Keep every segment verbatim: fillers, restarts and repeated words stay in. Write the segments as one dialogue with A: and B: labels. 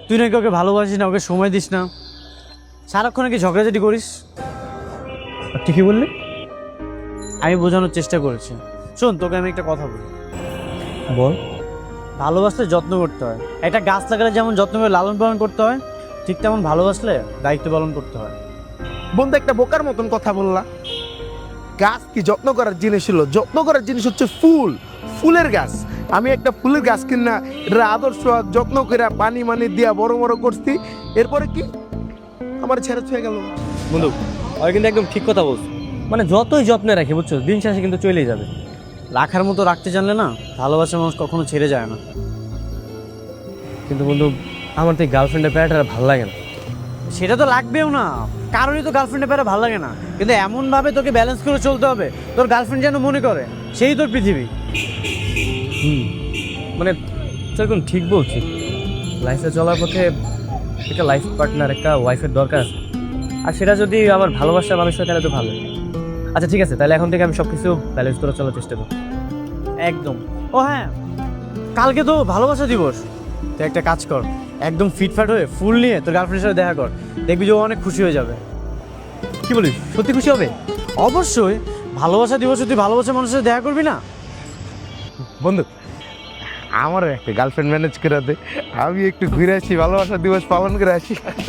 A: তুই নাকি ওকে ভালোবাসিস না, ওকে সময় দিস না, সারাক্ষণ নাকি ঝগড়াঝাটি করিস।
B: ঠিকই বললি।
A: আমি বোঝানোর চেষ্টা করেছি। শোন, তোকে আমি একটা কথা বলি।
B: বল।
A: ভালোবাসলে যত্ন করতে হয়। একটা গাছ লাগালে যেমন যত্ন করে লালন পালন করতে হয়, ঠিক তেমন ভালোবাসলে দায়িত্ব পালন করতে হয়।
C: বন্ধু একটা বোকার মতন কথা বললা। গাছ কি যত্ন করার জিনিস হলো? যত্ন করার জিনিস হচ্ছে ফুল, ফুলের গাছ। আমি একটা ফুলের গাছ কিনা এটা আদর্শ যত্ন করে পানি মানি দিয়া বড় বড় করছি, এরপরে কি আমার ছেড়ে ছুঁয়ে গেল।
B: বন্ধু আর কিন্তু একদম ঠিক কথা বলছো। মানে যতই যত্নে রাখি বুঝছো, দিন শেষে কিন্তু চলেই যাবে।
A: রাখার মতো রাখতে জানলে না, ভালোবাসার মানুষ কখনো ছেড়ে যায় না।
B: কিন্তু বন্ধু আমার তো এই গার্লফ্রেন্ডের প্যারাটা ভালো লাগে না।
A: সেটা তো লাগবেও না, কারোরই তো গার্লফ্রেন্ডের প্যারা ভালো লাগে না। কিন্তু এমনভাবে তোকে ব্যালেন্স করে চলতে হবে, তোর গার্লফ্রেন্ড যেন মনে করে সেই তোর পৃথিবী।
B: হুম, মানে সেরকম ঠিক বলছি। লাইফে চলার পথে একটা লাইফ পার্টনার, একটা ওয়াইফের দরকার আছে। আর সেটা যদি আমার ভালোবাসার মানুষ হয় তাহলে তো ভালো। আচ্ছা ঠিক আছে, তাহলে এখন থেকে আমি সব কিছু ব্যালেন্স করে চলার চেষ্টা করব।
A: একদম। ও হ্যাঁ, কালকে তো ভালোবাসা দিবস। তুই একটা কাজ কর, একদম ফিটফাট হয়ে ফুল নিয়ে তোর গার্লফ্রেন্ডের সাথে দেখা কর, দেখবি যে ও অনেক খুশি হয়ে যাবে।
B: কি বলিস, সত্যি খুশি হবে?
A: অবশ্যই। ভালোবাসা দিবসে তুই ভালোবাসার মানুষের সাথে দেখা করবি না?
C: বন্ধু আমারও একটা গার্লফ্রেন্ড ম্যানেজ করে দে, আমি একটু ঘুরে আসি, ভালোবাসা দিবস পালন করে আসি।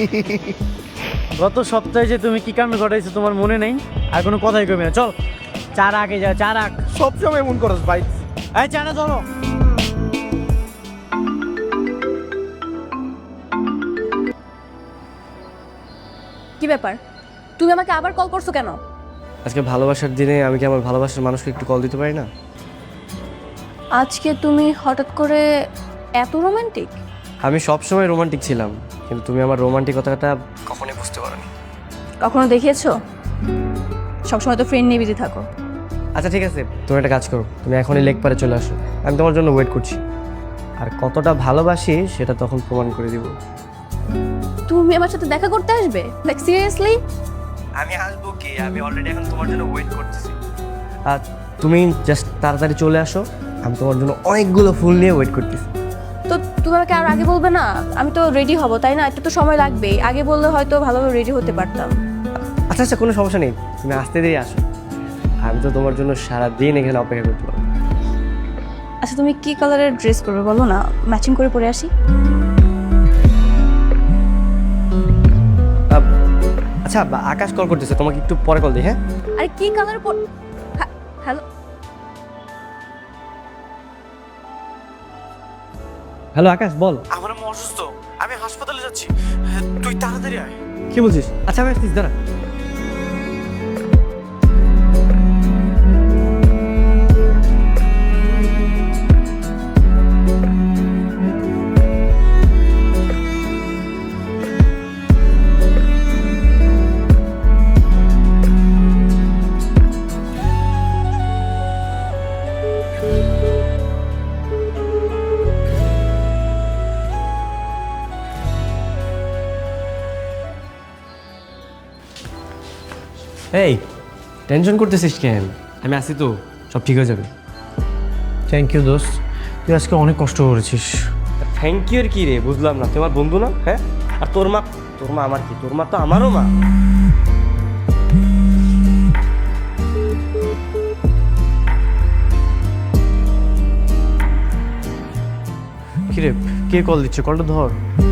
A: গত সপ্তাহে যে তুমি কি কাণ্ড ঘটাইছো তোমার মনে নেই? আর কোনো কথাই কমে না। চল চার আগে যা, চার আগ।
C: সবসময় এমন করস ভাই।
A: এই চাটা ধরো।
D: কি ব্যাপার, তুমি আমাকে আবার কল করছো কেন?
B: আজকে ভালোবাসার দিনে আমি কি আমার ভালোবাসার মানুষকে একটু কল দিতে পারি না?
D: আজকে তুমি হঠাৎ করে এত রোমান্টিক?
B: আমি সবসময় রোমান্টিক ছিলাম, কিন্তু তুমি আমার রোমান্টিকতাটা কখনোই বুঝতে পারোনি।
D: কখনো দেখিয়েছো? সবসময় তো ফ্রেন্ড নিয়ে বিজি থাকো।
B: আচ্ছা ঠিক আছে, তুমি একটা কাজ করো, তুমি এখনই লেক পারে চলে আসো, আমি তোমার জন্য ওয়েট করছি। আর কতটা ভালোবাসি সেটা তখন প্রমাণ করে দিব।
D: তুমি আমার সাথে দেখা করতে আসবে? Like seriously?
B: আমি আসবো কি, আমি অলরেডি এখন তোমার জন্য ওয়েট করতেছি। আর তুমি জাস্ট তাড়াতাড়ি চলে আসো, আমি তোমার জন্য অনেকগুলো ফুল নিয়ে ওয়েট করতেছি।
D: তো তুমি আমাকে আর আগে বলবে না? আমি তো রেডি হব, তাই না? একটু তো সময় লাগবে, আগে বললে হয়তো ভালোভাবে রেডি হতে পারতাম।
B: আচ্ছা আচ্ছা, কোনো সমস্যা নেই, তুমি আসতে দেরি আসো, আমি তো তোমার জন্য সারাদিন এখানে অপেক্ষা করতে পারবো।
D: আচ্ছা তুমি কি কালারের ড্রেস করবে বলো না, ম্যাচিং করে পরে আসি।
B: আহ, আচ্ছা বা- আকাশ কল করতেছে, তোমাকে একটু পরে কল দিই। হ্যাঁ
D: আরে কি কালার পর? হ্যালো
B: হ্যালো আকাশ, বল।
A: আমার আম্মু অসুস্থ, আমি হাসপাতালে যাচ্ছি, তুই তাড়াতাড়ি আয়।
B: কি বলছিস? আচ্ছা আমি আসছিস, দাঁড়া। এই টেনশন করতেছিস কেন? আমি আসি তো, সব ঠিক হয়ে যাবে।
A: থ্যাংক ইউ দোস্ত, তুই আজকে অনেক কষ্ট করেছিস।
B: থ্যাংক ইউ এর কি রে, বুঝলাম না। তোমার বন্ধু না? হ্যাঁ, আর তোর মা? তোর মা আমার কি? তোর মা তো আমারও মা।
A: কিরে, কে কল দিচ্ছে? কলটা ধর।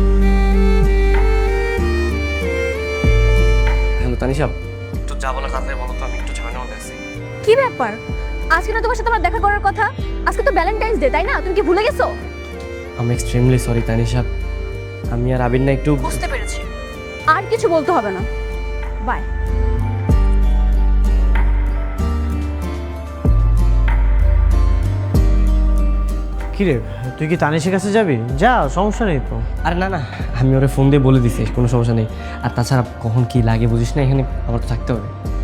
B: হ্যালো তানিশা, একটু যা বলা তাড়াতাড়ি বলো তো, আমি একটু ঝামেলার মধ্যে আছি।
D: কি ব্যাপার, আজকে না তোমার সাথে আমার দেখা করার কথা? আজকে তো ভ্যালেন্টাইন্স ডে, তাই না? তুমি কি ভুলে গেছো?
B: আমি এক্সট্রিমলি সরি তানিশা, আমি আর আবির না একটু।
D: বুঝতে পেরেছি, আর কিছু বলতে হবে না, বাই।
A: কিরে, তুই কি তানিশের কাছে যাবি? যা, সমস্যা নেই তো।
B: আরে না না, আমি ওরে ফোন দিয়ে বলে দিছি, কোনো সমস্যা নেই। আর তাছাড়া কখন কি লাগে বুঝিস না, এখানে আমার তো থাকতে হবে।